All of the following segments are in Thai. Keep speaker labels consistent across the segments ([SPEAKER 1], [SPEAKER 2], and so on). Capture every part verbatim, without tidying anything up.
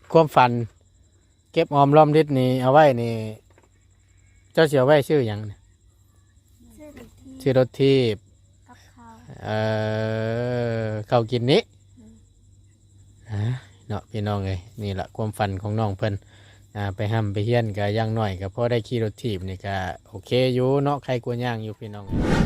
[SPEAKER 1] ความฝันเก็บออมรอมริดนี่เอาไว้นี่เจ้าเสียไว้ชื่อหยังชื่อรถทีบเอ่อเขากินนี้ฮะเนาะพี่น้องเลยนี่แหละความฝันของน้องเพิ่นอ่าไปห้ำไปเฮียนก็ย่างหน่อยก็พอได้ขี่รถทีบนี่ก็โอเคอยู่เนาะใครกลัวย่างอยู่พี่น้อง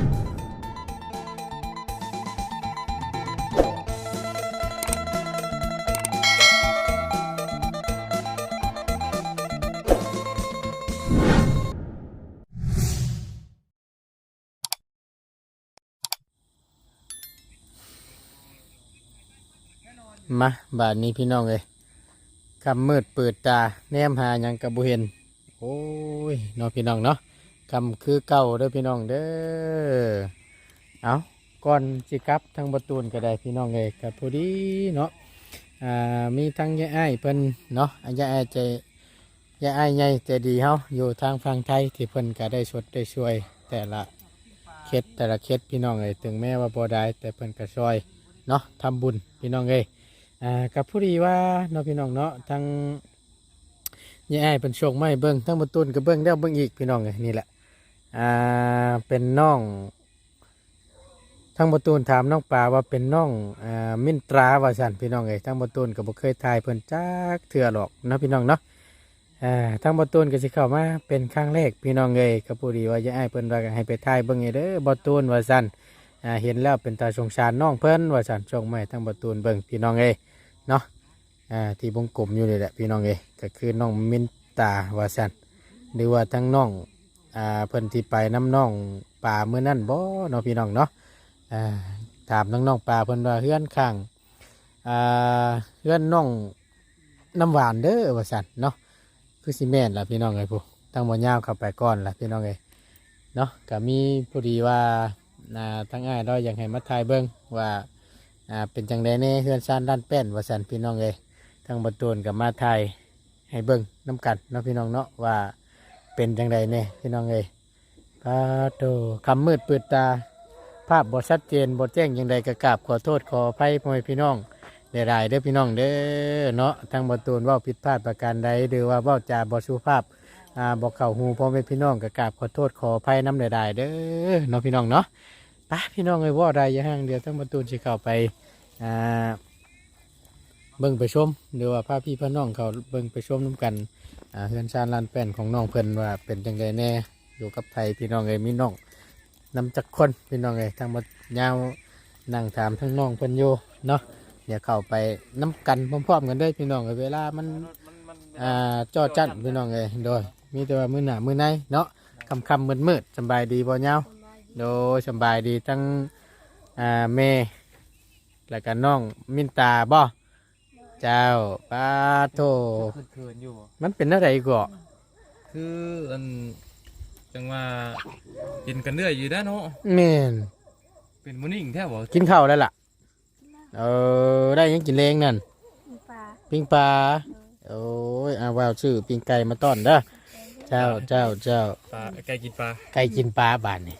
[SPEAKER 1] มาบาดนี้พี่น้องเลยคำมืดเปิดตาแนมหาหยังกับบุเห็นโอ้ยน้องพี่น้องเนาะคำคือเก่าเด้อพี่น้องเด้อเอาก่อนสิกลับทางประตูนก็ได้พี่น้องเลยกับพอดีเนาะอ่ามีทั้งยายไอ้เพิ่นเนาะยายไอ้ใจยายไอ้ใหญ่ใจดีเฮาอยู่ทางฝั่งไทยที่เพิ่นก็ได้ชดได้ช่วย แต่ละเคสแต่ละเคสพี่น้องเลยถึงแม้ว่าบ่ได้แต่เพิ่นก็ช่วยเนาะทำบุญพี่น้องเลยอ่ากับผู้ดีว่าเนาะพี่น้องเนาะทั้งยายไอ้เป็นโชคไม่เบิ้งทั้งประตูนกับเบิ้งแล้วเบิ้งอีกพี่น้องเลยนี่แหละอ่าเป็นน้องทั้งประตูนถามน้องปลาว่าเป็นน้องอ่ามินตราว่าสันพี่น้องเลยทั้งประตูนก็บ่เคยทายเพิ่นจักเถื่อหรอกเนาะพี่น้องเนาะอ่าทั้งประตูนก็สิเข้ามาเป็นครั้งแรกพี่น้องเลยกับผู้ดีว่ายายไอ้เพิ่นว่าให้ไปทายเบิ้งเด้อประตูนว่าสันอ่าเห็นแล้วเป็นตาสงสารน้องเพิ่นว่าสันส่งมาทั้งประตูนเบิ้งพี่น้องเลยเนาะอ่าที่วงกลมอยู่นี่แหละพี่น้องเอยก็คือน้องมินตาวาสันหรือว่าทั้งน้องอ่าเพิ่นที่ไปน้ำน้องป่าเมื่อนั่นบ่เนาะพี่น้องเนาะอ่าถามน้องน้องป่าเพิ่นว่าเฮือนข้างอ่าเฮือนน้องน้ำหวานเด้อว่าสันเนาะคือซีเมนต์ล่ะพี่น้องเอ้ยผู้ทั้งบ่ยาวเข้าไปก่อนล่ะพี่น้องเอ้ยเนาะก็มีพอดีว่าอ่าทั้งอ้ายเราอยากให้มาถ่ายเบิ่งว่าอ่าเป็นจังไดแน่เฮือนซ่านด้านแป้นว่าสันพี่น้องเอ้ยทางบตูนกับมาไทยให้เบิ้งน้ำกันเนาะพี่น้องเนาะว่าเป็นจังใดเนี่ยพี่น้องเอ้ยพาโตคำมืดเปิดตาภาพบทชัดเจนบทแจ้งยังใดกระกราบขอโทษขออภัยพ่อแม่พี่น้องได้รายเด้อพี่น้องเด้อเนาะทางบตูนว่าผิดพลาดประการใดหรือว่าว่าจาบสุภาพอ่าบอกเข่าหูพ่อแม่พี่น้องกระกราบขอโทษขออภัยน้ำได้ๆเด้อเนาะพี่น้องเนาะไปพี่น้องเอ้ยว่าใดอย่างห้างเดียวทางบตูนจะเข้าไปอ่าเบิ่งไปชมหรือว่าพาพี่พ่อน้องเขาเบิ่งไปชมน้ำกันอ่าเฮือนชาญลานแป้นของน้องเพิ่นว่าเป็นจังไดแน่อยู่กับไทยพี่น้องเอ้ยมีน้องนำจักคนพี่น้องเอ้ยทางมายาวนั่งถามทั้งน้องเพิ่นอยู่เนาะเดี๋ยวเข้าไปน้ำกันพร้อมๆกันได้พี่น้องเอ้ยเวลามันอ่าจ่อจัดพี่น้องเอ้ยโดยมีแต่ว่ามือหน้ามือในเนาะคำคำมืดมืดสบายดีบ่ยาวโดยสบายดีทั้งอ่าแม่แล้วก็น้องมินตาบ่เจ้าปาโตเขินอยู่มันเป็นอะไรก่อ
[SPEAKER 2] คืออันจังว่ากินกันเรื่อยอยู่ด้านโน้
[SPEAKER 1] เมน
[SPEAKER 2] เป็นมื้อนี้แท้บ่
[SPEAKER 1] กินข้าวแล้วล่ะเออได้ยังกินเลงนั่นปิ้งปลาโอ้ยเอาว่าวชื่อปิ้งไก่มาต้อนเด้อเจ้าเจ้าเจ้า
[SPEAKER 2] ปลาไก่กินปลา
[SPEAKER 1] ไก่กินปลาบานนี่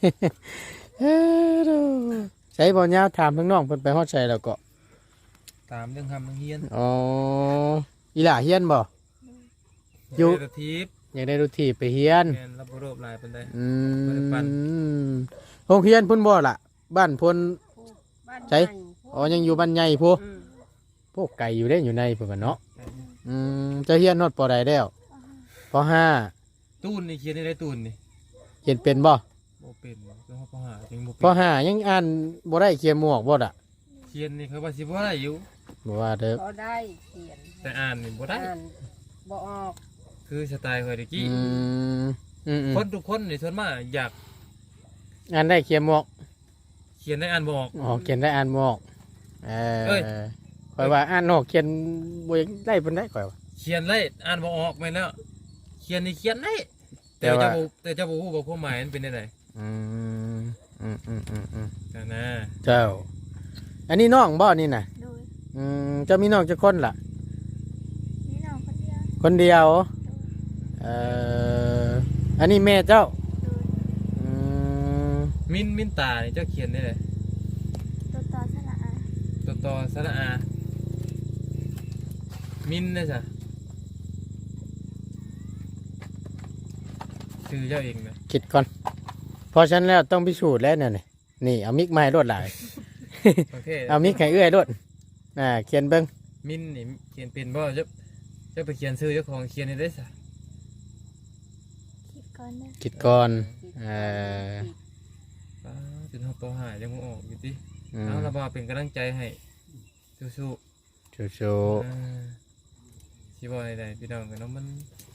[SPEAKER 1] ใช้บ่อเงาถามทั้งน้องเพิ่นไปฮอดใส่แล้วก็
[SPEAKER 2] ตามเรื่องทำเรื่องเฮียน
[SPEAKER 1] อ๋ออีหล่าเฮียนบ่
[SPEAKER 2] อยู่รถทีบ
[SPEAKER 1] อยากได้รถทีบไปเฮียน
[SPEAKER 2] รับรูปลายเป็นได้
[SPEAKER 1] อืมโรงเรียนพุ่นบ่ล่ะบ้านพุ่นใช่อ๋อยังอยู่บ้านใหญ่พูพวกไก่อยู่ได้อยู่ในเพิ่นเนาะอืมจะเฮียนนอดปอใดแล้วปอห้า
[SPEAKER 2] ตูนนี่เขียนได้ตูนนี่
[SPEAKER 1] เขียนเป็นบ่
[SPEAKER 2] บ่เป็นต้องปอห้ายังบ่เป็น
[SPEAKER 1] ปอห้ายังอ่านบ่ได้เขียนหมวกบ่ล่ะ
[SPEAKER 2] เขียนนี่เขาว่าสิบ่ได้อยู่
[SPEAKER 1] บ่ว่าเด้อ
[SPEAKER 3] บ่ได้เขียน
[SPEAKER 2] แต่อ่านนี่บ่ได้
[SPEAKER 3] อ่านบ่ออก
[SPEAKER 2] คือสไตล์ข่อยตะกี้
[SPEAKER 1] อืมอืม
[SPEAKER 2] คนทุกคนนี่ส่วนมากอยาก
[SPEAKER 1] อ่านได้เขียนหมวก
[SPEAKER 2] เขียนได้อ่านบ่ออก
[SPEAKER 1] อ๋อเขียนได้อ่านหมวกเออข่อยว่าอ่านออกเขียนบ่ได้ปานใดข่อยว่า
[SPEAKER 2] เขียนได้อ่านบ่ออกแม่นแล้วเขียนนี่เขียนได้แต่เจ้าบ่แต่เจ้าบ่ฮู้ว่าความหมายมันเป็นจังได๋
[SPEAKER 1] อืมอืมอืมอืมอืม
[SPEAKER 2] นั่นนะ
[SPEAKER 1] เจ้าอันนี้น้องบ่นี่น่ะอืมเจ้ามีน้องจักคนล่ะ
[SPEAKER 3] มีน้องคนเดียว
[SPEAKER 1] คนเดียวเอ่ออันนี้แม่เจ้าอืม
[SPEAKER 2] มินมินตานี่เจ้าเขียนได้เลย
[SPEAKER 3] ตัวต่อสระอา
[SPEAKER 2] ตัวต่อสระอามินนะจ๊ะชื่อเจ้าเองนะ
[SPEAKER 1] คิดก่อนเพราะฉะนั้นแล้วต้องพิสูจน์แล้วเนี่ยนี่นี่เอามิกมาให้รวดหลาย
[SPEAKER 2] โอเค
[SPEAKER 1] เอามิกให้เอื้อยรวดอ่าเขียนเบิ้ง
[SPEAKER 2] มินนี่เขียนเป็นบ่เจ้าเจ้าไปเขียนชื่อเจ้าของเขียนให้ได้ซะ
[SPEAKER 3] คิดก่อนนะ
[SPEAKER 1] คิดก่อนเออ
[SPEAKER 2] ป้าจนเฮาปอหายังบ่ออกอยู่ติ
[SPEAKER 1] อืม
[SPEAKER 2] เอาละบ่เป็นกำลังใจให้สู้
[SPEAKER 1] ชู
[SPEAKER 2] ๆ
[SPEAKER 1] ชู
[SPEAKER 2] อ่าสิบ่ได้ๆพี่น้องกันเนาะมัน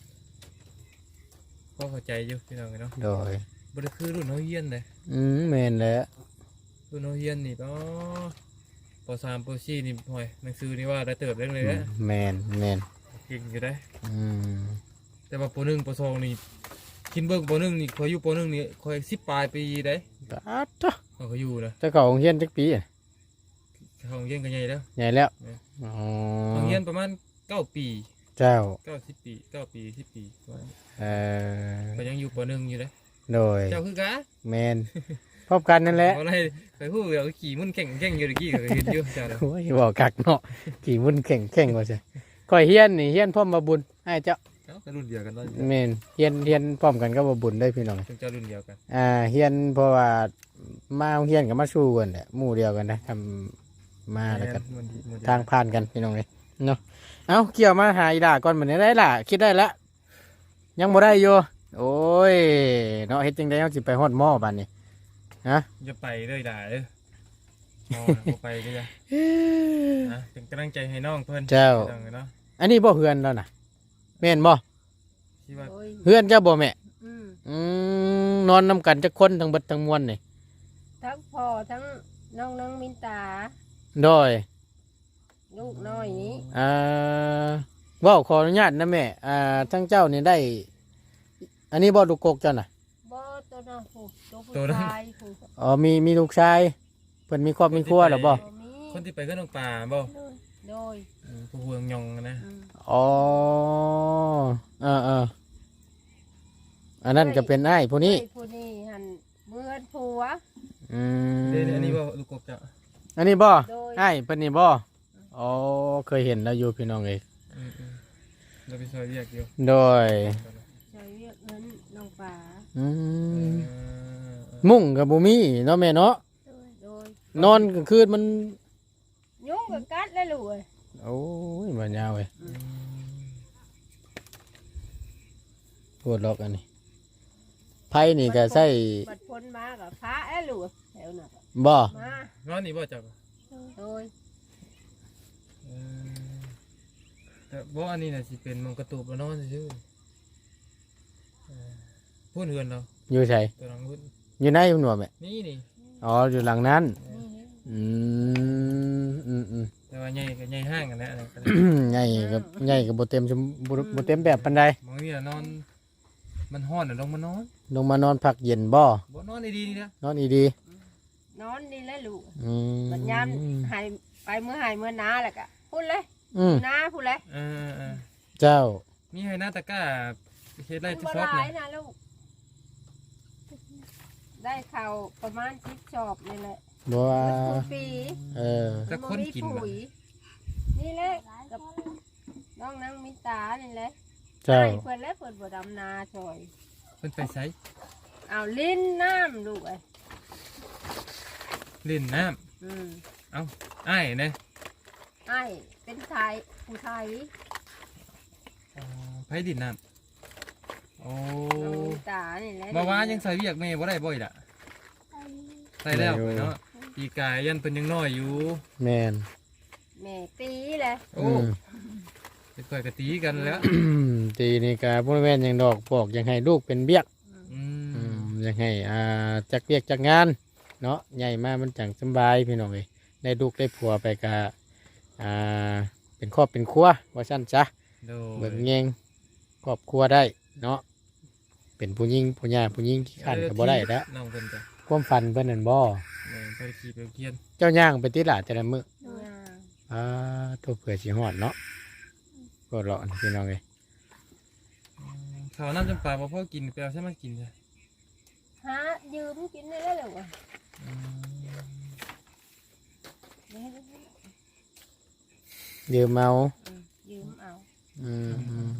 [SPEAKER 2] ก็เข้าใจอยู่พี่น้องกันเนาะ
[SPEAKER 1] โดย
[SPEAKER 2] บ่ได้คือรุ่นเฮาเฮียนเด้
[SPEAKER 1] อืมแมนแล้ว
[SPEAKER 2] รุ่นเฮาเฮียนนี่ก็ปสามปสี่นี่ห่วยหนังสือนี่ว่าได้เติบได้เลย
[SPEAKER 1] อื
[SPEAKER 2] นะ
[SPEAKER 1] มแมนแมน
[SPEAKER 2] เก่งอยู่ได้
[SPEAKER 1] อืม
[SPEAKER 2] แต่ว่าปหนึ่งปสองนี่คินเบิ่งปหนึ่งนี่คอยอยู่ปหนึ่งนี่คอยสิบปลายปีได้
[SPEAKER 1] ปาดจ้ะ
[SPEAKER 2] เขาก็อยู่นะ
[SPEAKER 1] เจ้าเก่าของเฮียนจักปีอะ
[SPEAKER 2] เขาเฮียนกันใหญ่แล้ว
[SPEAKER 1] ใหญ่แล้ว
[SPEAKER 2] เนี่ย
[SPEAKER 1] อ๋อ
[SPEAKER 2] เขาเฮียนประมาณเก้าปี
[SPEAKER 1] เจ้า
[SPEAKER 2] เก้าสิบปีเก้าปีสิบปีประมาณ
[SPEAKER 1] เออ
[SPEAKER 2] ก็ยังอยู่ปหนึ่งอยู่เลย
[SPEAKER 1] โดย
[SPEAKER 2] เจ้าคือกะ
[SPEAKER 1] แมนพบกันนั่นแหละ
[SPEAKER 2] อะไรไปพูดเดี๋ยวขี่มุ่นแข่งแข่งอยู่ตะกี้ก็เห็นอยู่เจ้าเด้อ
[SPEAKER 1] โอ้ยบอกกักเนาะกี่มุ่นเข่งเข่งว่าใช่ข่อยเฮียนนี่เฮียนพร้อมมาบุญให้เจ้า
[SPEAKER 2] เจ้าก็รุ่นเดียวกันเนาะ
[SPEAKER 1] แมนเฮียนเฮียนพร้อมกันก็มาบุญได้พี่น้อง
[SPEAKER 2] จงเจ้ารุ่นเดียวกัน
[SPEAKER 1] อ่าเฮียนเพราะว่ามาเฮียนกับมาสู้กันแหละหมู่เดียวกันนะทำมาแล้วกัน
[SPEAKER 2] มันดีมันดี
[SPEAKER 1] ทางผ่านกันพี่น้องเลยเนาะเอาเกี่ยวมาหาอีด่าก่อนเหมือนได้ล่ะคิดได้แล้วยังบ่ได้อยู่โอ้ยเนาะเฮ็ดจังได๋เฮาสิไปฮอดหม้อบัดนี้ฮะ
[SPEAKER 2] อย่าไปเลยด่าเด้อมองนะบ่ไปก็จะนะเป็นกำลังใจให้น้องเพิ่น
[SPEAKER 1] เจ้า
[SPEAKER 2] จังเลยเนาะ
[SPEAKER 1] อันนี้บ่เฮือนแล้วน่ะแม่นบ่
[SPEAKER 2] ที่ว่า
[SPEAKER 3] โอ้ย
[SPEAKER 1] เฮือนเจ้าบ่แม่
[SPEAKER 3] อืม
[SPEAKER 1] อืมนอนนำกันจักคนทั้งเบิดทั้งมวลนี่
[SPEAKER 3] ทั้งพ่อทั้งน้องน้องมินตา
[SPEAKER 1] โดย
[SPEAKER 3] ลูกน้อยนี้
[SPEAKER 1] อ่าเว้าขออนุญาตนะแม่อ่าทั้งเจ้านี่ได้ อันนี้บ่ลูกกกเจ้าน่ะ
[SPEAKER 3] บ่ตัวน้องผู้ตัวผู้ชายผู้
[SPEAKER 1] อ๋อมีมีลูกชายเพิ่นมีครอบมีครัวแล้วบ่
[SPEAKER 3] บ่มี
[SPEAKER 2] คนที่ไปก็น้องป่าบ่
[SPEAKER 3] โดย
[SPEAKER 2] อืมผู้ห่วงยองนะ
[SPEAKER 3] อืม
[SPEAKER 1] อ๋อเออเอออันนั้นก็เป็นไอ้ายผู้นี้
[SPEAKER 3] ไอ้ผู้นี้หันเมื่อนผัว
[SPEAKER 1] อืม
[SPEAKER 2] เดี๋ยวอันนี้ว่าลูกกบจะ
[SPEAKER 1] อันนี้บ่
[SPEAKER 3] โดย
[SPEAKER 1] ไอ้ายเพิ่นนี่บ่อ๋อเคยเห็นแล้วอยู่พี่น้องเอ้ย
[SPEAKER 2] อืมอืมเราไปซอยเรียกอยู่
[SPEAKER 1] โดย
[SPEAKER 3] ใช้เรียกเงินน้องป่า
[SPEAKER 1] อื
[SPEAKER 2] เอ
[SPEAKER 1] ม
[SPEAKER 2] อ
[SPEAKER 1] มุ่งกับบ่มีเนาะแม่เนาะ
[SPEAKER 3] โดยโดย
[SPEAKER 1] นอนกลางคืนมัน
[SPEAKER 3] ยุ่งกับกัดแล้วลูกเอ้ย
[SPEAKER 1] โอ้ยบ่ยาวเว้ย
[SPEAKER 2] อืม
[SPEAKER 1] ปวดล็อกอันนี้ไผนี่ก็ใส่
[SPEAKER 3] บัดพ้นมากับพระแล้วลูกแถวน่ะ
[SPEAKER 1] บ่
[SPEAKER 3] มาน
[SPEAKER 2] อนนี่บ่จับ
[SPEAKER 3] โดย
[SPEAKER 2] เออแต่บ่อันนี้น่ะสิเป็นมองกระตูบแล้วนอนซื่อๆเออพูดเฮือนเรา
[SPEAKER 1] อยู่ไส
[SPEAKER 2] ตัวหลังพูด
[SPEAKER 1] อยู่ในพุ่นบ่แม่
[SPEAKER 2] นี่นี่
[SPEAKER 1] อ๋ออยู่หลังนั้น
[SPEAKER 3] นี่
[SPEAKER 1] อืมอืมอืม
[SPEAKER 2] แต่ว่าใหญ่ก็ใหญ่ห้างกันแหละอะไรกัน
[SPEAKER 1] ใหญ่กับใหญ่กับโบเต็มชมบ่บ่เต็มแบบปันใด
[SPEAKER 2] บางทีน่ะนอน มันฮ้อนน่ะลงมานอน
[SPEAKER 1] ลงมานอนพักเย็นบ่
[SPEAKER 2] บ่นอนดีๆนี่นะ
[SPEAKER 1] นอนอีดี
[SPEAKER 3] นอนนี่แหละลูก
[SPEAKER 1] อืม
[SPEAKER 3] บัดยามหายไปเมื่อหายเมื่อนาแหละกะพูดเลย
[SPEAKER 1] อืม
[SPEAKER 3] นาพูดเลย
[SPEAKER 2] เออเออ
[SPEAKER 1] เจ้า
[SPEAKER 2] มีให้หน้าตะกร้าเฮ็ดไร
[SPEAKER 3] มัน
[SPEAKER 2] ที่
[SPEAKER 3] บ่
[SPEAKER 2] ซอ
[SPEAKER 3] ห
[SPEAKER 2] บ
[SPEAKER 3] ลา
[SPEAKER 2] นะ
[SPEAKER 3] ยนะลูก ได้ข่าวประมาณสิบชอบนี่แหละ
[SPEAKER 1] บ่ว่า
[SPEAKER 3] มันคือปี
[SPEAKER 1] เออ
[SPEAKER 2] แต่คนกิน
[SPEAKER 3] มั
[SPEAKER 2] บ่
[SPEAKER 3] บ่มีปุ๋ยนี่แหละกับน้องนางมิตานี่แหละ
[SPEAKER 1] เจ้า
[SPEAKER 3] ให้เพิ่นและเพิ่นบ่ดำนาช่วย
[SPEAKER 2] เพิ่นไปไส
[SPEAKER 3] เอาลิ้นน้ำลูกเอ้ย
[SPEAKER 2] เล่นน้ำ
[SPEAKER 3] อืม
[SPEAKER 2] เอ้าอ้ายนะ
[SPEAKER 3] ไอ้เป็นไทยผู้ไทย
[SPEAKER 2] อ๋อไผดินน้ำโอ้
[SPEAKER 3] น้องมิตานี่แหละ
[SPEAKER 2] บ่ว่ายังใส่เวียกแม่บ่ได้บ่อยล่ะใส่แล้วเนาะปีกายยันเพิ่นยังน้อยอยู่
[SPEAKER 1] แม่น
[SPEAKER 3] แม่ปีเลย
[SPEAKER 2] โอ้
[SPEAKER 1] อืม
[SPEAKER 2] ไปก่อยกะตีกันแล้ว
[SPEAKER 1] ตีนี่ก็บ่แม่นหยังดอกบอกอยากให้ลูกเป็นเบี้ยก
[SPEAKER 2] อื
[SPEAKER 1] อื
[SPEAKER 2] ม
[SPEAKER 1] มอยากให้อ่าจักเวียกจักงานเนาะใหญ่มามันจังสำบายพี่น้องเอ้ยได้ลูกได้ผัวไปก็อ่าเป็นครอบเป็นครัวว่าซั่นจ้ะ
[SPEAKER 2] โด
[SPEAKER 1] เบิ่ง
[SPEAKER 2] ย
[SPEAKER 1] แยงครอบครัวได้เนาะเป็นผู้หญิงผู้หญิงผู้หญิงขี้ขันก็บ่ได้แล้ว
[SPEAKER 2] น้องเพิ่นจ้ะ
[SPEAKER 1] ความฝันเพิ่นนั่นบ่
[SPEAKER 2] แม่นไปขี่ไปเคียน
[SPEAKER 1] เจ้าย่างไปติหลาแต่ละมื้อ
[SPEAKER 3] ย่าง
[SPEAKER 1] อ่าตัวเผื่อสิฮอดเนาะก็รออันพี่น้องเอ้ย
[SPEAKER 2] ข้าวน้ำจำปาบ่พอกินไปเอาใช่มากินจ้ะ
[SPEAKER 3] หายืมกินได้แล้วเหรอวะ
[SPEAKER 2] อืม
[SPEAKER 3] เดี๋ยวให้
[SPEAKER 1] ยืมเอา
[SPEAKER 3] อืมยืมเอา
[SPEAKER 1] อืมอืม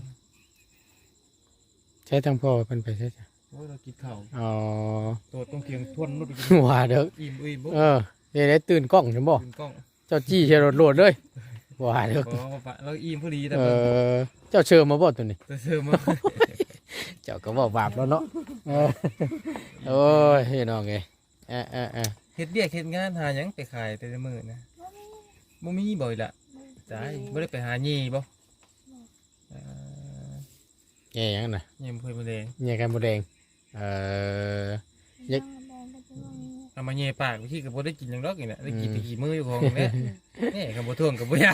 [SPEAKER 1] ใช้ทั้งพ่อเพิ่นไปใช่จ้ะ
[SPEAKER 2] โอ้ยเรากินข้าว
[SPEAKER 1] อ๋อ
[SPEAKER 2] ตัวต้องเคียงทวนนุดอีก
[SPEAKER 1] ว่าเด้อ
[SPEAKER 2] อิ่มอิ่มบุ๊
[SPEAKER 1] เออเดี๋ยวได้ตื่นกล้องฉันบ่
[SPEAKER 2] กินกล้อง
[SPEAKER 1] เจ้าจี้เชรถโหลดเลยว่าเด้อ
[SPEAKER 2] พอปะเราอิ่มพอดีแต่
[SPEAKER 1] เอ
[SPEAKER 2] เพิ่น
[SPEAKER 1] อเจ้าเชิญมาบ่ตัวนี้
[SPEAKER 2] ตัวเสริมมา
[SPEAKER 1] เจ้าก็บอกบาปแล้วเนาะเออโอ้ยพี่น้องเอ้ยเออเออเออ
[SPEAKER 2] เฮ็ดเบียกเฮ็ดงานหาหยังไปขายแต่ละมื้อนะบ่มีบ่อยละจ้ายบ่ได้ไปหาหยี่บ่เอ่อ
[SPEAKER 1] แย่ยังน่ะ
[SPEAKER 2] หยี่บ่เคยบ่แดง
[SPEAKER 1] แย่กันบ่แดงเออ ยัก
[SPEAKER 2] เอามาแย่ปากพี่ก็บ่ได้กินหยังดอกนี่น่ะได้กินแต่ขี้มืออยู่ของแม่แม่ก็บ่ท่วงก็บ่ยา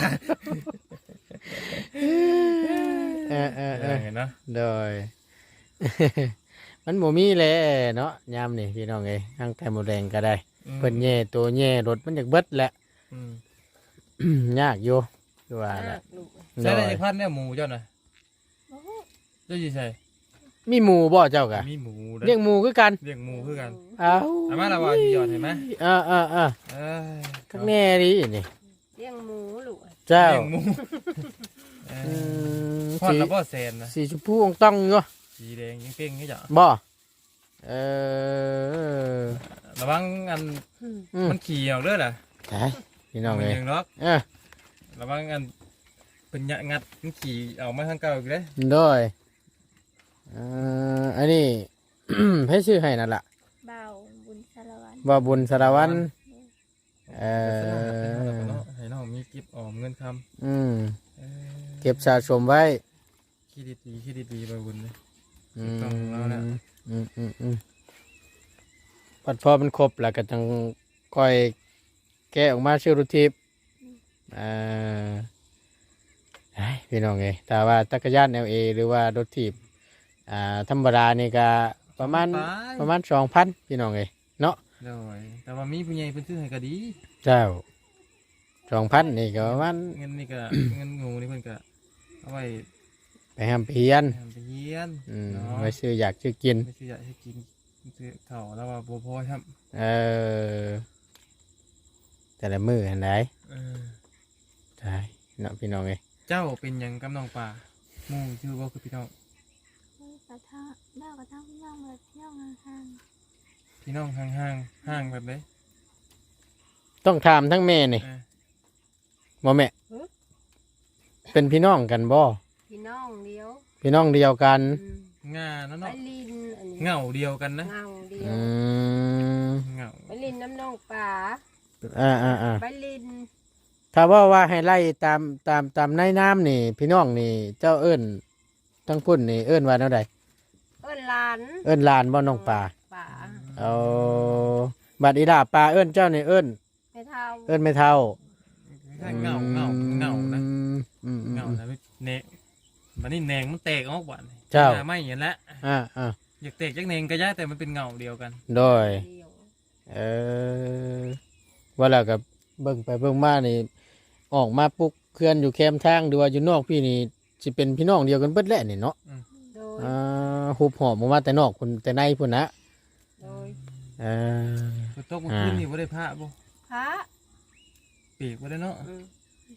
[SPEAKER 1] เออเออเออ
[SPEAKER 2] เห็นเนาะ
[SPEAKER 1] โดย มันบ่มีแหละเนาะยามนี่พี่น้องเอ้ยทางไข่หมูแดงก็ได้
[SPEAKER 2] อืม
[SPEAKER 1] เพิ่นแย่ตัวแย่รถมันอยากเบิดแหละ
[SPEAKER 2] อืม
[SPEAKER 1] ยากอยู่คือว่า
[SPEAKER 3] น่า
[SPEAKER 1] น่ะ
[SPEAKER 3] ลูก
[SPEAKER 2] ใช่ได้จักพันเนี่ยหมูเจ้าน่ะเจ้าสิใช่
[SPEAKER 1] มีหมูบ่เจ้ากะ
[SPEAKER 2] มีหมูด้อ
[SPEAKER 1] เลี้ยงหมูคือกัน
[SPEAKER 2] เลี้ยงหมูคือกัน
[SPEAKER 1] เอ้า
[SPEAKER 2] เอามาและว่าสิหยอดให้มา
[SPEAKER 1] เออเออเออ
[SPEAKER 2] เอ้ย
[SPEAKER 1] ข้างแน่ดินี่
[SPEAKER 3] เลี้ยงหมูลูก
[SPEAKER 1] เจ้า
[SPEAKER 2] เลี้ยงหมูเอ
[SPEAKER 1] อื
[SPEAKER 2] อ
[SPEAKER 1] ม
[SPEAKER 2] พอด
[SPEAKER 1] สี
[SPEAKER 2] แล้วบ่แซนนะ
[SPEAKER 1] สีชมพูองต้องอยู่
[SPEAKER 2] สีแดงยังเป้งๆนี่จ้ะ
[SPEAKER 1] บ่เออ
[SPEAKER 2] ระวังอัน
[SPEAKER 3] อืม
[SPEAKER 1] อืม
[SPEAKER 2] มันขี่ออกเด้อล่ะ
[SPEAKER 1] ใช่พี่น้อง
[SPEAKER 2] มั
[SPEAKER 1] เลย
[SPEAKER 2] ยังล็อก
[SPEAKER 1] เออ
[SPEAKER 2] ระวังอันเป็นยะงัดมันขี่ออกมาทางเก่าอีกเด้อ
[SPEAKER 1] โดยเอ่ออันนี้ ให้ชื่อให้นั่นล่ะ
[SPEAKER 4] เบาบุญสารวัตร
[SPEAKER 1] ว่าบุญสารวัตรเอ
[SPEAKER 2] เอ
[SPEAKER 1] อ
[SPEAKER 2] ให้น้องมีเก็บออมเงินค
[SPEAKER 1] อืม
[SPEAKER 2] ำเออ
[SPEAKER 1] เก็บสะสมไว้
[SPEAKER 2] คิดดีๆคิดดีๆไปบุญเลย
[SPEAKER 1] อื
[SPEAKER 2] ถูกต้องแล้วนะ
[SPEAKER 1] มอืมอืมอืมปัดพอมันครบแล้วก็จังค่อยแกะออกมาชื่อรุทิพย์อ่าไอ้พี่น้องเอ้ยแต่ว่าจักรยานเอลเอหรือว่ารถถีบอ่าธรรมดานี่ก็ประมาณ
[SPEAKER 2] ไป
[SPEAKER 1] ประมาณสองพันพี่น้องเอ้ยเนาะ
[SPEAKER 2] โดยแต่ว่ามีผู้ใหญ่เพิ่นซื้อให้ก็ดี
[SPEAKER 1] เจ้าสองพันนี่ก็ประมาณ
[SPEAKER 2] เงินนี่ก็ เงินงูนี่เพิ่นก็เอาไว้
[SPEAKER 1] ไปห้ามเพียน
[SPEAKER 2] ทำไปเฮียน
[SPEAKER 1] อืม
[SPEAKER 2] เนาะ
[SPEAKER 1] ไว้ซื้ออยากซื้อกิน
[SPEAKER 2] ไม่ซื้ออยากให้กินซื้อข้าวแล้วว่าบ่พอครับ
[SPEAKER 1] เออแต่ละมือหันไหน
[SPEAKER 2] เออ
[SPEAKER 1] ใช่เนาะพี่น้องเอ้ย
[SPEAKER 2] เจ้าเป็นหยังกับน้องป่าหมู่ชื่อว่าคือพี่น้อง
[SPEAKER 4] กระทะเล่ากระทะพี่น้องเลยพี่น้องห่าง
[SPEAKER 2] พี่น้องห่างห่างๆห่างแบบไหน
[SPEAKER 1] ต้องถามทั้งแม่นี่
[SPEAKER 2] เออ
[SPEAKER 1] บ่แม่เป็นพี่น้องกันบ่
[SPEAKER 3] พี่น้องเดียว
[SPEAKER 1] พี่น้องเดียวกัน
[SPEAKER 3] อืม
[SPEAKER 2] งาเนาะ
[SPEAKER 3] ไป
[SPEAKER 2] เนาะ
[SPEAKER 3] ลินอันนี้
[SPEAKER 2] เหงาเดียวกันนะ
[SPEAKER 3] เงาเดีย
[SPEAKER 1] อื
[SPEAKER 3] ว
[SPEAKER 1] ม
[SPEAKER 2] เหงา
[SPEAKER 3] ไปลินน้ำน้องป่า
[SPEAKER 1] อ่าอ่าอ่า
[SPEAKER 3] ไปลิน
[SPEAKER 1] ถ้าว่าว่าให้ไล่ตามตามตามในน้ำนี่ พี่น้องนี่ เจ้าเอิ้นทั้งพุ่นนี่เอิ้นว่าแนวใด
[SPEAKER 3] เอิ้นหลาน
[SPEAKER 1] เอิ้นหลานบ่น้องป่า
[SPEAKER 3] ป่า
[SPEAKER 1] เอาบัดอีดาป่าเอิ้นเจ้านี่เอิ้น
[SPEAKER 3] ไม่เท่า
[SPEAKER 1] เอิ้นไม่เท่า
[SPEAKER 2] เหงาเหงาเหงานะ
[SPEAKER 1] อืมอืมอืม
[SPEAKER 2] เหงานะเนงบัดนี้แหนงมันแตกออกบ่น
[SPEAKER 1] เจ้า
[SPEAKER 2] ไม่เห็นแล้ว
[SPEAKER 1] อ่าอ่า
[SPEAKER 2] อยากแตกจักแหนงก็ยากแต่มันเป็นเหงาเดียวกัน
[SPEAKER 1] โดย
[SPEAKER 3] เดียว
[SPEAKER 1] เออว่าแล้วกับเบิ่งไปเบิ่งมานี่ออกมาปุ๊กเคลื่อนอยู่แคมทางหรือว่าอยู่นอกพี่นี่สิเป็นพี่น้องเดียวกันเบิดแหละนี่เนาะ
[SPEAKER 3] โดย
[SPEAKER 1] อ่าหุบหอมออกมาแต่นอกคนแต่ในพุ่นนะ
[SPEAKER 3] โดย
[SPEAKER 1] เออ
[SPEAKER 2] ฝนตกเมื่อคืนนี่บ่ได้พระบ่
[SPEAKER 3] พระ
[SPEAKER 2] ปีกบ่ได้เนาะ
[SPEAKER 3] อืม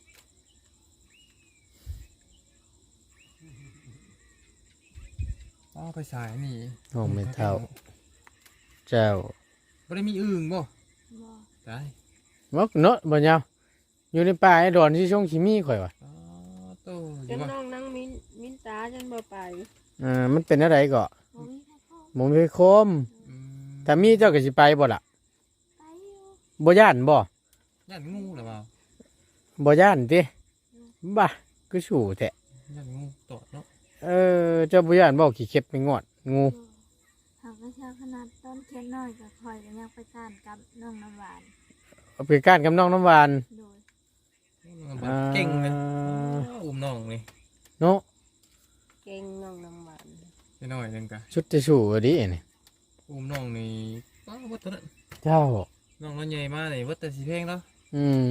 [SPEAKER 2] อ๋อไปสายนี่
[SPEAKER 1] ห้องไม่เท่า เจ้า
[SPEAKER 2] บ่ได้มีอึ่งบ่
[SPEAKER 4] ๆบ่
[SPEAKER 2] ตาย
[SPEAKER 1] มกเนาะบ่ยาวอยู่ในป่าไอ้ดอนที่ช่องขี้มีข่อยว่ะ
[SPEAKER 2] อ๋อโตอ
[SPEAKER 3] จ
[SPEAKER 2] ยู่
[SPEAKER 3] น
[SPEAKER 2] บ่
[SPEAKER 3] น้องนั่งมินมินตาจนบ่ไป
[SPEAKER 1] อ่ามันเป็นอะไรก็
[SPEAKER 4] บ่มีใครเข้า
[SPEAKER 1] หมมีโคม
[SPEAKER 2] อืม
[SPEAKER 1] ถ้ามีเจ้าก็สิไปบ่ล่ะ
[SPEAKER 4] ไปอยู่
[SPEAKER 1] บ่ย่านบ่
[SPEAKER 2] ย่านงูหรือเปล่า
[SPEAKER 1] บ่ย่านติบ้าก็สู่แท้
[SPEAKER 2] ย่านงูตอดเนาะ
[SPEAKER 1] เออเจ้าบ่ย่านบ่ขี้เข็บไปงอดงู
[SPEAKER 4] บ่หากว่าเช้าขนาดต้นเทียนน้อยก็คอยกันยังไปก้านกับน้องน้ำหวาน
[SPEAKER 1] เอาไปก้านกับน้องน้ำหวาน
[SPEAKER 4] โดย
[SPEAKER 2] มันแบบเก่งเลยอุ้มน้องนี่
[SPEAKER 1] เนาะ
[SPEAKER 3] เก่งน้องน้ำหวาน
[SPEAKER 2] ไปหน่อยหนึงกะ
[SPEAKER 1] ชุดจะสู่อะดินี่
[SPEAKER 2] อุ้มน้องนี่ว้าววัดตัวนั้น
[SPEAKER 1] เจ้า
[SPEAKER 2] น้องน้อยใหญ่มากเลยวัดแต่สีเพลงแล้ว
[SPEAKER 1] อืม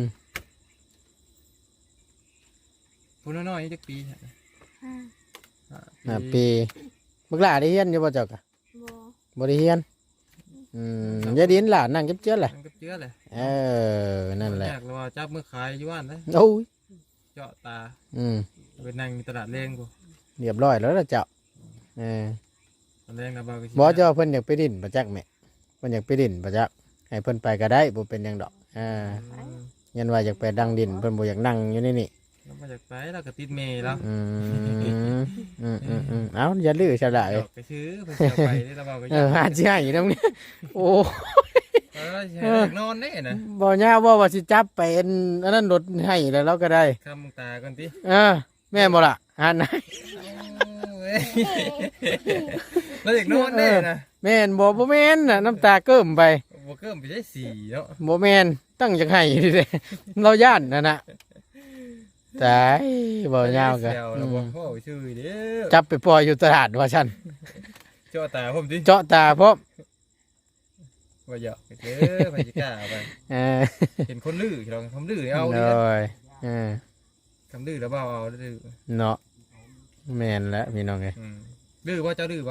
[SPEAKER 2] พูดน้อยๆจักปีฮะ
[SPEAKER 4] ห้า
[SPEAKER 1] ห้าปีบักหลาได้เฮียนอยู่บ่เจ้ากะ
[SPEAKER 4] บ่
[SPEAKER 1] บ่ได้เฮียนอืมอย่าดินหลานนั่งเจ็บเจื้อแหละ
[SPEAKER 2] มันก็เจือเลย
[SPEAKER 1] เออนั่นแหละ
[SPEAKER 2] ยากเลยว่าจับมือขายอยู่ว่านนะ
[SPEAKER 1] โอ้ย
[SPEAKER 2] เจาะตา
[SPEAKER 1] อืม
[SPEAKER 2] ไปนั่งอยู่ตลาดแรงกู
[SPEAKER 1] เรียบร้อยแล้วล่ะเจ้าเออ
[SPEAKER 2] ตอนแรงนะบ่าวก็สิ
[SPEAKER 1] บ่เจ้าเพิ่นอยากไปดินประจักแม่เพิ่นอยากไปดินประจักให้เพิ่นไปก็ได้บ่เป็นหยังดอกอ่า
[SPEAKER 2] อืม
[SPEAKER 1] ยันว่าอยากไปดังดินเพิ่นบ่อยากนั่งอยู่ในนี่
[SPEAKER 2] แล้วมาจากไปแล้วก็ติดเมย์แล้ว
[SPEAKER 1] อืมอืมอืมอืมเอ้าอย่าลื้อซะละ
[SPEAKER 2] ด
[SPEAKER 1] เอ้ย
[SPEAKER 2] อกก็ซื้อเพิ่นสิเอาไปได้แล้วบ่าวก็
[SPEAKER 1] เออหาสิให้นำนี่โอ้
[SPEAKER 2] เออสิให้เด็กนอนแน่นะ
[SPEAKER 1] บ่ยาวบ่ว่าสิจับไปอันอันนั้นรถให้แล้วเราก็ได้
[SPEAKER 2] คำมึงตาก่อนติ
[SPEAKER 1] เออแม่นบ่ล่ะหาไหน
[SPEAKER 2] โอ้ยแล้วเด็กนอนแน่นะ
[SPEAKER 1] แม่นบ่บ่แม่นน่ะน้ำตาเกิ้มไป
[SPEAKER 2] บ่เกิมไปได้สี่เนาะ
[SPEAKER 1] บ่แม่นตั้งจักให้อยู่เด้เราย่านนั่นน่ะตายบ่ยาวก็
[SPEAKER 2] แซว
[SPEAKER 1] อื
[SPEAKER 2] แล้วบ่
[SPEAKER 1] ม
[SPEAKER 2] พ่อชื่อเด้อ
[SPEAKER 1] จับไปปล่อยอยู่ตลาดว่าซั่น
[SPEAKER 2] เจ้าตาผมดิ
[SPEAKER 1] เจาะตาพร้อม
[SPEAKER 2] ว่าเหยาะเด้อไปสิกล้าเอาไป
[SPEAKER 1] เออ
[SPEAKER 2] เห็นคนลื้อเราคำลื้อเอา
[SPEAKER 1] โด
[SPEAKER 2] ดิ
[SPEAKER 1] ยเออ
[SPEAKER 2] คำลื้อแล้วบ่าวเอาดื้อ
[SPEAKER 1] เนาะแม่นแล้วพี่น้องเอ้ย
[SPEAKER 2] อืมดื้อบ่เจ้าดื้อบ่
[SPEAKER 3] ด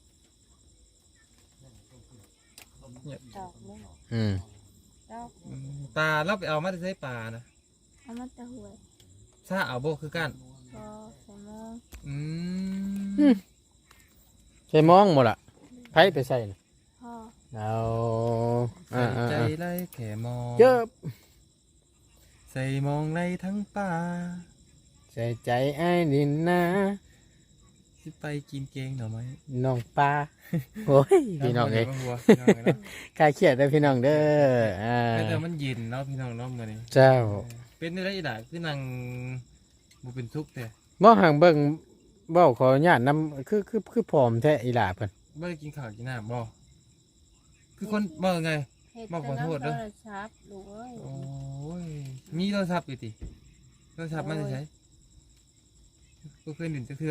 [SPEAKER 3] อกนี่
[SPEAKER 1] อืม
[SPEAKER 3] ดอก
[SPEAKER 2] อืมปลาเราไปเอามาได้ใช้ปลานะ
[SPEAKER 4] เอามาแต่หวย
[SPEAKER 2] ซาเอาบ่คือกัน
[SPEAKER 4] พอใส่หม้อ
[SPEAKER 2] อืม
[SPEAKER 1] ใส่มองบ่ล่ะไผไปใส่น่ะ
[SPEAKER 4] พอ
[SPEAKER 1] เอา
[SPEAKER 2] ใส่
[SPEAKER 1] อ่า
[SPEAKER 2] ใจ
[SPEAKER 1] ๆ
[SPEAKER 2] ไล่แค่มอง
[SPEAKER 1] ๆเยอะ
[SPEAKER 2] ใส่มองในทั้งป่า
[SPEAKER 1] ใส่ใจไอ้ายดินนะ
[SPEAKER 2] สิไปกินเกงหน่อไหม
[SPEAKER 1] น้องปลาโอ้ยพี่น้องเอ้ย
[SPEAKER 2] หัวพี่น้องเอ้ยเนาะ
[SPEAKER 1] คลายเครียดเด้อพี่น้องเด้ออ่า
[SPEAKER 2] แต่มันเย็นเนาะพี่น้องเนาะมื้อนี้
[SPEAKER 1] เจ้า
[SPEAKER 2] เป็นได้อีหล่ะคือนั่งบ่เป็นทุกข์แต่
[SPEAKER 1] บ่ห่างเบิ่งเว้าขออนุญาตนำคือคือคือผอมแท้อีหล่าเพิ่น
[SPEAKER 2] บ่ได้กินข้าวกินน้ำบ่คือคนบ่ไง
[SPEAKER 3] เห็ด
[SPEAKER 2] มาขอโทษเด้
[SPEAKER 3] เด้
[SPEAKER 2] อ
[SPEAKER 3] อชับลูกเอ้ย
[SPEAKER 2] โอ้ยมีโทรศัพท์อยู่ติโทรศัพท์มันจะใช้บ่เคยดื่มจักเทื่อ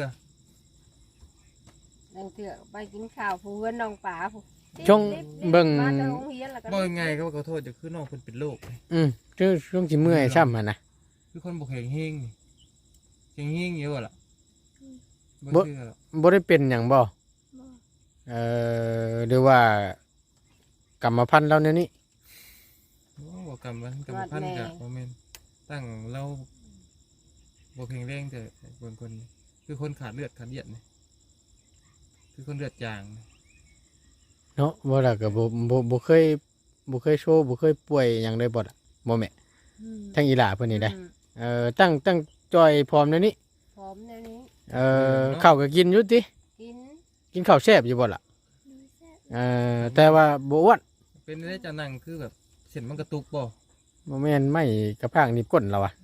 [SPEAKER 3] นั่งเถื่อไปกินข้าวผู้เพื่อนน้องป๋าผู้
[SPEAKER 1] ช่วงเบิ่ง
[SPEAKER 3] มาจากโรงเรียนแล้วก็
[SPEAKER 2] บ่ไงก็ขอโทษจะคือน้องเพิ่นเป็นโรค
[SPEAKER 1] อืมช่วงช่วงสิเมื่อยช้ำหั่นน่ะ
[SPEAKER 2] คือคนบ่แข็งแรงนี่แข็งแรงอยู่บ่ล่ะบ่
[SPEAKER 1] บ่
[SPEAKER 2] เชื่อหรอก
[SPEAKER 1] บ่ได้เป็นหยังบ่
[SPEAKER 4] บ่
[SPEAKER 1] เอ่อหรือว่ากรรมพันธุ์เราเนี่ยนี่
[SPEAKER 2] โอ้บ่กรรมมันกรรมพันธุ์ก็บ่แม่นตั้งเราบ่แข็งแรงแต่บางคนคือคนขาดเลือดขาดเลือดนี่คือคนเลือดจาง
[SPEAKER 1] เนาะบ่ล่ะก็บ่บ่บ่เคยบ่เคยโชว์บ่เคยป่วยหยังได้บ่ล่ะบ่แม่
[SPEAKER 3] อืม
[SPEAKER 1] ทั้งอีหล่าเพิ่นนี่ได้
[SPEAKER 3] อืม
[SPEAKER 1] เอ่อตั้งตั้งจอยพร้อมเดี๋ยวนี้
[SPEAKER 3] พร้อมแนวนี้
[SPEAKER 1] เอ่อข้าวก็กินอยู่ติ
[SPEAKER 3] กิน
[SPEAKER 1] กินข้าวแซ่บอยู่บ่ล่ะ
[SPEAKER 4] ดูแซ่บ
[SPEAKER 1] เอ่อแต่ว่าบ่อ้วน
[SPEAKER 2] เป็นได้จะนั่งคือแบบเส้นมันกระตุกบ่
[SPEAKER 1] บ่แม่นไม่กระพางหนีบก้นเราอะ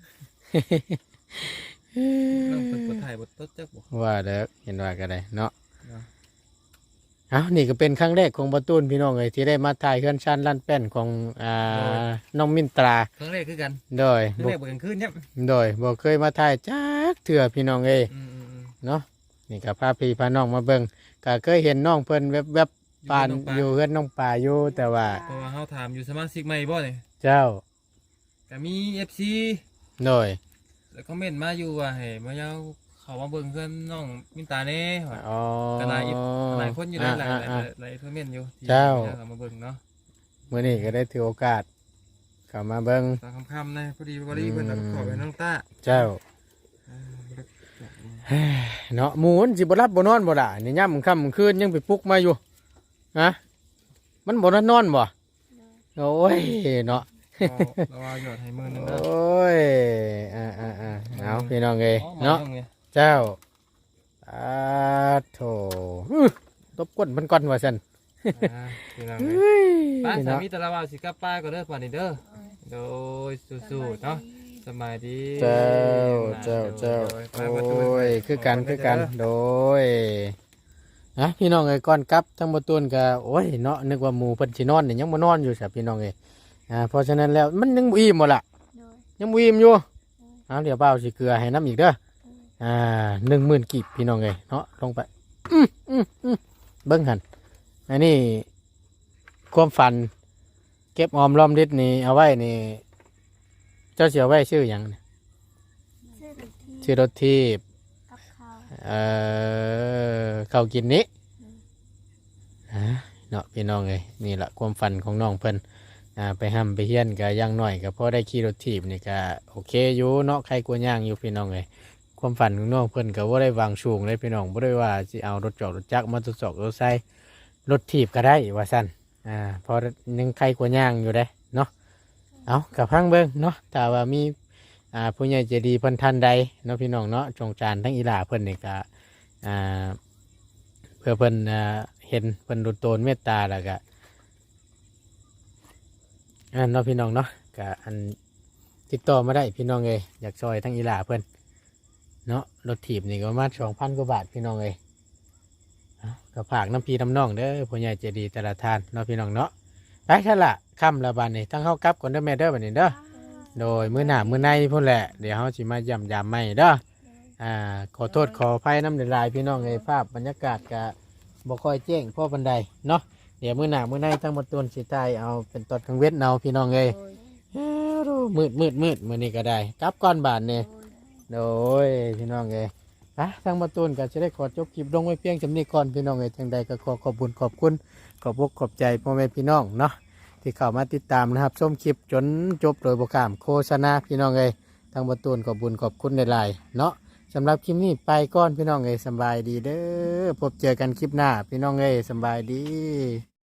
[SPEAKER 2] น้องเพิ่นบ่ถ่ายบ่ตดจักบ่
[SPEAKER 1] ว่าเด้อเห็นว่าก็ได้เนาะ
[SPEAKER 2] เนาะ
[SPEAKER 1] เอ้านี่ก็เป็นครั้งแรกของบ่ตูนพี่น้องเอ้ยที่ได้มาถ่ายเฮือนชานลั่นแป้นของอ่าน้องมินตรา
[SPEAKER 2] ครั้งแรกคือกัน
[SPEAKER 1] โดย
[SPEAKER 2] ครั้ง
[SPEAKER 1] บ่
[SPEAKER 2] แรกบ่กลางคืนครับ
[SPEAKER 1] โดยบ่เคยมาถ่ายจักเทื่อพี่น้องเอ้ย
[SPEAKER 2] อืม
[SPEAKER 1] เนาะนี่ก็พาพี่พาน้องมาเบิ่งก็เคยเห็นน้องเพิ่นแวบๆ
[SPEAKER 2] ๆ
[SPEAKER 1] ปาน
[SPEAKER 2] น้งปล
[SPEAKER 1] อยู่เฮือนน้องปลาอยู่แต่ว่า
[SPEAKER 2] เพราะว่าเฮาถามอยู่สมาชิกใหม่บ่นี่
[SPEAKER 1] เจ้า
[SPEAKER 2] ก็มี เอฟ ซี
[SPEAKER 1] โดย
[SPEAKER 2] แล้วคอมเมนต์มาอยู่ว่าให้มาเอาเข้ามาเบิ่งเพื่อนน้องมินตาแน่ว่า
[SPEAKER 1] อ๋อ
[SPEAKER 2] ก็หลายอีกหลายคนอยู่หลายหลายหลาย
[SPEAKER 1] อ่า
[SPEAKER 2] หลายคอมเมนต์อยู่ที่
[SPEAKER 1] เจ้า
[SPEAKER 2] เข้ามาเบิ่งเนาะ
[SPEAKER 1] ๆมื้อนี้ก็ได้ถือโอกาสเข้ามาเบิ่ง
[SPEAKER 2] ตามคำๆนะพอดีบริเพิ่นเอาขอไปน้องต้า
[SPEAKER 1] เจ้า เนาะหมูมันสิบ่รับบ่นอนบ่ล่ะนี่ย่ำค่ำคืนยังไปปลุกมาอยู่ฮะมันบ่นอนนอนบ่โอ้ยเนาะ
[SPEAKER 2] เอาเราเอาหยอดให้มือหนึง
[SPEAKER 1] โอ
[SPEAKER 2] นะ
[SPEAKER 1] ้ยอ่าอ่าอ่าเอาพี่น้องเอ้ย
[SPEAKER 2] อ๋อ
[SPEAKER 1] เนาะ
[SPEAKER 2] มองเนี่ย
[SPEAKER 1] เจ้าอาโถอื้อตบก้นมันก่อนว่าซั่น
[SPEAKER 2] อ่าพี่น้อง
[SPEAKER 1] เฮ
[SPEAKER 2] เอ้ย้
[SPEAKER 1] ย
[SPEAKER 2] ป้าสา
[SPEAKER 1] เนาะ
[SPEAKER 2] มีตะละวาสิกลับป้าก็เด้อป่านนี้เด้อโดยสู้ๆเนาะสบายดี
[SPEAKER 1] เจ้าเจ้าเจ้า
[SPEAKER 2] โดย
[SPEAKER 1] โอ
[SPEAKER 2] ไปประตู้
[SPEAKER 1] ยคือกันคือกันโดยนะพี่น้องเอ้ยก่อนกลับทั้งบ่ตูนก็โอ้ยเนาะนึกว่าหมู่เพิ่นสินอนนี่ยังบ่นอนอยู่ซะพี่น้องเอ้ยอ่าเพราะฉะนั้นแล้วมันยังบ่อิ่มบ่ล่ะ
[SPEAKER 4] โดย
[SPEAKER 1] ยังบ่อิ่มอยู่เอาเดี๋ยวเปล่าสิเกลือให้น้ำอีกเด้ออ่าหนึ่งหมื่นกีบพี่น้องเอ้ยเนาะลงไปอืมอืมอืมเบิ่งหั่นอันนี้ความฝัน เก็บออมรอมริดนี่เอาไว้นี่เจ้าสิเอาไว้ชื่อหยังเนี่ย
[SPEAKER 4] ซื้อรถที่
[SPEAKER 1] ชื่อรถทีบ
[SPEAKER 4] กับข้าว
[SPEAKER 1] เอ่อข้าวกินนี้ฮะเนาะพี่น้องเอ้ยนี่ละความฝันของน้องเพิ่นอ่าไปห้ำไปเฮียนก็อยังน้อยก็พอได้ขี่รถทีบนี่ก็โอเคอยู่เนาะใครกลัวย่างอยู่พี่น้องเอ้ยกความฝันของน้องเพิ่นก็บ่ได้วางสูงเลยพี่น้องบ่ได้ว่าสิเอารถจอกรถจักรมาทดสอบรถไซรถถีบก็ได้ว่าซั่นอ่าเพอยังใครกว่าย่างอยู่เด้เนาะเอากับพังเบิ่งเนาะถ้าว่ามีอ่าผู้ใหญ่ใจดีเพิ่นท่านใดเนาะพี่น้องเนาะจงจานทั้งอีหล่าเพิ่นนี่ก็อ่าเพื่อเพิ่นอ่าเห็นเพิ่นรุนโตนเมตตาแล้วก็อันเนาะพี่น้องเนาะก็อันติดต่อมาได้พี่น้องเอ้ยอยากซอยทั้งอีหล่าเพิ่นเนาะรถถีบนี่ก็ประมาณสองพันกว่าบาทพี่น้องเอ้ยเอาก็ฝากน้ำพีน้ำน้องเด้อผู้ใหญ่ใจดีแต่ละท่านเนาะพี่น้องเนาะไปท่านละค่ำละบานนี่ทั้งเข้ากลับก่อนเด้อแม่เด้อบัดนี้เด้อโดยมื้อหน้ามื้อในพุ่นแหละเดี๋ยวเฮาสิมาย่ำยามใหม่เด้ออ่าขอโทษขออภัยน้ำลายพี่น้องเอ้ยภาพบรรยากาศก็บ่ค่อยแจ้งพ่อบันไดเนาะเดี๋ยวมื้อหน้ามื้อในทั้งหมดต้นสิตายเอาเป็นตอนกลางเว้นเอาพี่น้องเอ้ย
[SPEAKER 3] โดย
[SPEAKER 1] เอ้ามืดมืดมืดมื้อนี้ก็ได้กลับก่อนบานนี่
[SPEAKER 3] โดย
[SPEAKER 1] โดยพี่น้องเอ้ยนะทางมาตูนก็จะได้ขอจบคลิปลงไว้เพียงจำนี้ก่อนพี่น้องเอ้ยจังใดก็ขอขอบคุญขอบคุณขอบอกขอบใจพ่อแม่พี่น้องเนาะที่เข้ามาติดตามนะครับชมคลิปจนจบโดยบกามโฆษณาพี่น้องเอ้ยทางมาตูนขอบคุญขอบคุณในไลน์เนาะสำหรับคลิปนี้ไปก่อนพี่น้องเอ้ยสำบายดีเด้อพบเจอกันคลิปหน้าพี่น้องเอ้ยสำบายดี